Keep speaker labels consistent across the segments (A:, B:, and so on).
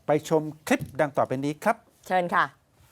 A: ไปชมคลิปดังต่อไปนี้ครับ
B: เชิญค่ะ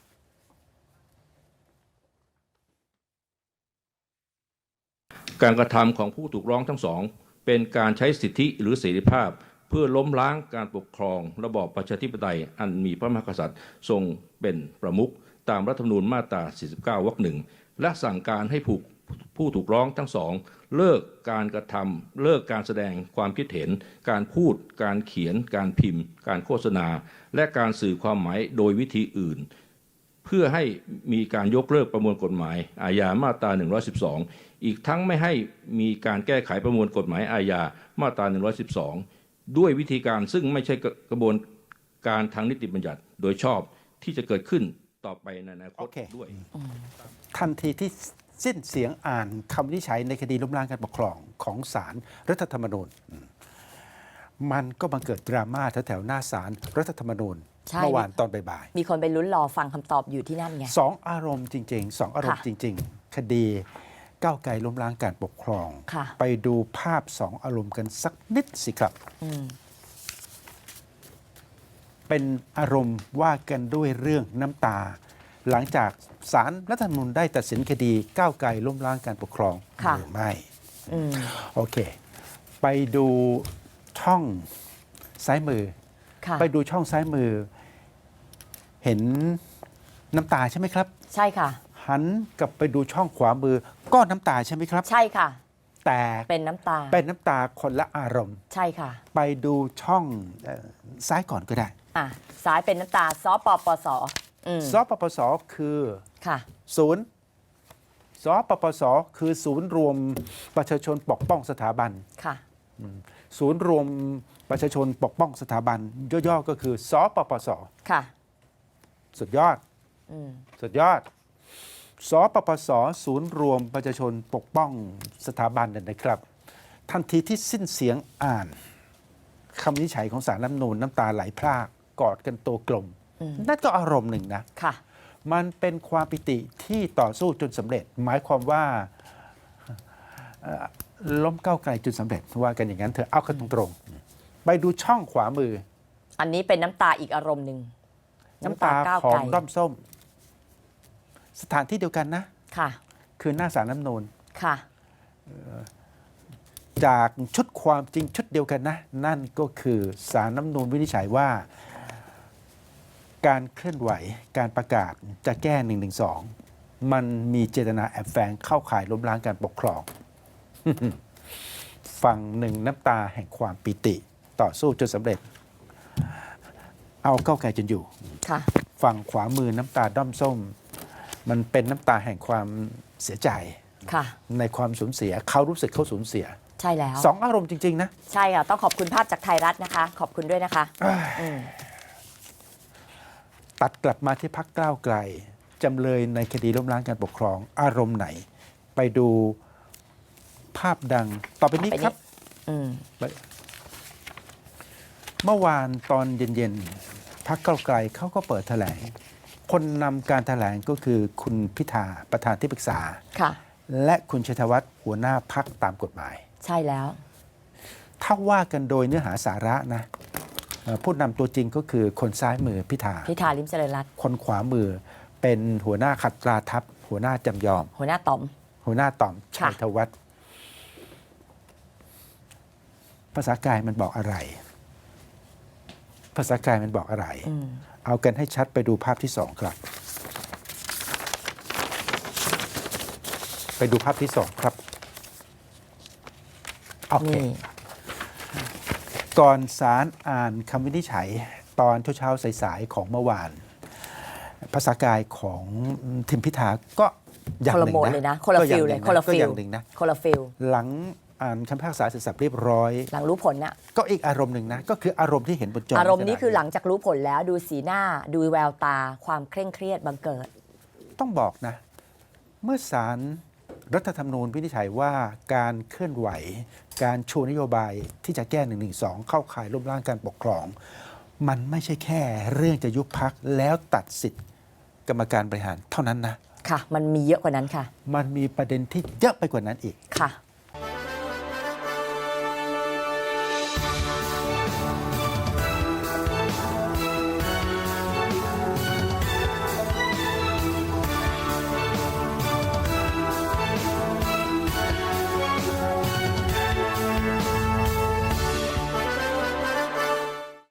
C: การกระทำของผู้ถูกร้องทั้งสองเป็นการใช้สิทธิหรือเสรีภาพเพื่อล้มล้างการปกครองระบอบประชาธิปไตยอันมีพระมหากษัตริย์ทรงเป็นประมุขตามรัฐธรรมนูญมาตรา 49 วรรค 1 และสั่งการให้ผู้ถูกร้องทั้งสองเลิกการกระทำเลิกการแสดงความคิดเห็นการพูดการเขียนการพิมพ์การโฆษณาและการสื่อความหมายโดยวิธีอื่นเพื่อให้มีการยกเลิกประมวลกฎหมายอาญามาตรา 112 อีกทั้งไม่ให้มีการแก้ไขประมวลกฎหมายอาญามาตรา 112 ด้วยวิธีการซึ่งไม่ใช่กระบวนการทางนิติบัญญัติโดยชอบที่จะเกิดขึ้นต่อไปในอนาคตด้วย
A: ทันทีที่สิ้นเสียงอ่านคำวินิจฉัยในคดีล้มล้างการปกครองของศาลรัฐธรรมนูญมันก็บังเกิดดราม่าแถวๆหน้าศาลรัฐธรรมนูญเมื่อวานตอนบ่าย
B: ๆมีคนไปลุ้นรอฟังคำตอบอยู่ที่นั่นไง
A: สองอารมณ์จริงๆสองอารมณ์จริงๆคดีก้าวไกลล้มล้างการปกครองไปดูภาพสองอารมณ์กันสักนิดสิครับเป็นอารมณ์ว่ากันด้วยเรื่องน้ำตาหลังจากศาลรัฐธรรมนูญได้ตัดสินคดีก้าวไกลล้มล้างการปกครองหรือไม่โอเคไปดูช่องซ้ายมือไปดูช่องซ้ายมือเห็นน้ำตาใช่ไหมครับ
B: ใช่ค่ะ
A: หันกลับไปดูช่องขวามือก็น้ำตาใช่ไหมครับ
B: ใช่ค่ะ
A: แต่
B: เป็นน้ำตา
A: คนละอารมณ์
B: ใช่ค่ะ
A: ไปดูช่องซ้ายก่อนก็ได้
B: ซ้ายเป็นน้ำตาสปปส
A: สปปสคือ
B: ค่ะ
A: ศูนย์สปปสคือศูนย์รวมประชาชนปกป้องสถาบัน
B: ค่ะ
A: ศูนย์รวมประชาชนปกป้องสถาบันย่อๆก็คือสปปส
B: ค่ะ
A: สุดยอดสุดยอดสปปสศูนย์รวมประชาชนปกป้องสถาบันนะครับทันทีที่สิ้นเสียงอ่านคำวินิจฉัยของศาลรัฐธรรมนูญน้ำตาไหลพรากกอดกันตัวกลมนั่นก็อารมณ์หนึ่งนะ
B: ค่ะ
A: มันเป็นความปิติที่ต่อสู้จนสำเร็จหมายความว่าล้มก้าวไกลจนสำเร็จว่ากันอย่างนั้นเธอเอากันตรงๆไปดูช่องขวามือ
B: อันนี้เป็นน้ำตาอีกอารมณ์หนึ่ง
A: น้ำตาของด้อมส้มสถานที่เดียวกันนะ
B: ค่ะ
A: คือหน้าศาลรัฐธรรมนูญ
B: ค่ะ
A: จากชุดความจริงชุดเดียวกันนะนั่นก็คือศาลรัฐธรรมนูญวินิจฉัยว่าการเคลื่อนไหวการประกาศจะแก้112มันมีเจตนาแอบแฝงเข้าข่ายล้มล้างการปกครอง ฝั่งหนึ่งน้ำตาแห่งความปิติต่อสู้จนสำเร็จเอาก้าวไกลจนอยู่ฝั่งขวามือน้ำตาด้อมส้มมันเป็นน้ำตาแห่งความเสียใจในความสูญเสียเขารู้สึกเขาสูญเสีย
B: ใช่แล้ว
A: สองอารมณ์จริงๆนะ
B: ใช่ค่ะต้องขอบคุณภาพจากไทยรัฐนะคะขอบคุณด้วยนะคะ
A: ตัดกลับมาที่พรรคก้าวไกลจำเลยในคดีล้มล้างการปกครองอารมณ์ไหนไปดูภาพดังต่อไปนี้ครับเมื่อวานตอนเย็นๆพรรคก้าวไกลเขาก็เปิดแถลงคนนำการแถลงก็คือคุณพิธาประธานที่ปรึกษาและคุณชัยธวัฒน์หัวหน้าพรรคตามกฎหมาย
B: ใช่แล้ว
A: ถ้าว่ากันโดยเนื้อหาสาระนะผู้นำตัวจริงก็คือคนซ้ายมือพิธา
B: ลิ้มเจริญรัตน์
A: คนขวามือเป็นหัวหน้าขัดตราทัพหัวหน้าจำยอม
B: หัวหน้าต๋อม
A: ชัยธวัฒน์ภาษากายมันบอกอะไรภาษากายมันบอกอะไรเอากันให้ชัดไปดูภาพที่2ครับไปดูภาพที่2ครับโอเคก่อนศาลอ่านคำวินิจฉัยตอนเช้าสายๆของเมื่อวานภาษากายของทิมพิธาก็
B: อย่างหนึ่งนะคนละฟิลเลยคนละฟิลคนละฟิล
A: หลังอ่านคำพิพากษาเสร็จสับเรียบร้อย
B: หลังรู้ผลน่ะ
A: ก็อีกอารมณ์หนึ่งนะก็คืออารมณ์ที่เห็นบนจอ
B: อารมณ์นี้คือหลังจากรู้ผลแล้วดูสีหน้าดูแววตาความเคร่งเครียดบังเกิด
A: ต้องบอกนะเมื่อศาลรัฐธรรมนูญวินิจฉัยว่าการเคลื่อนไหวการชูนโยบายที่จะแก้112เข้าข่ายล้มล้างการปกครองมันไม่ใช่แค่เรื่องจะยุบพรรคแล้วตัดสิทธิ์กรรมการบริหารเท่านั้นนะ
B: ค่ะมันมีเยอะกว่านั้นค่ะ
A: มันมีประเด็นที่เยอะไปกว่านั้นอีก
B: ค่ะ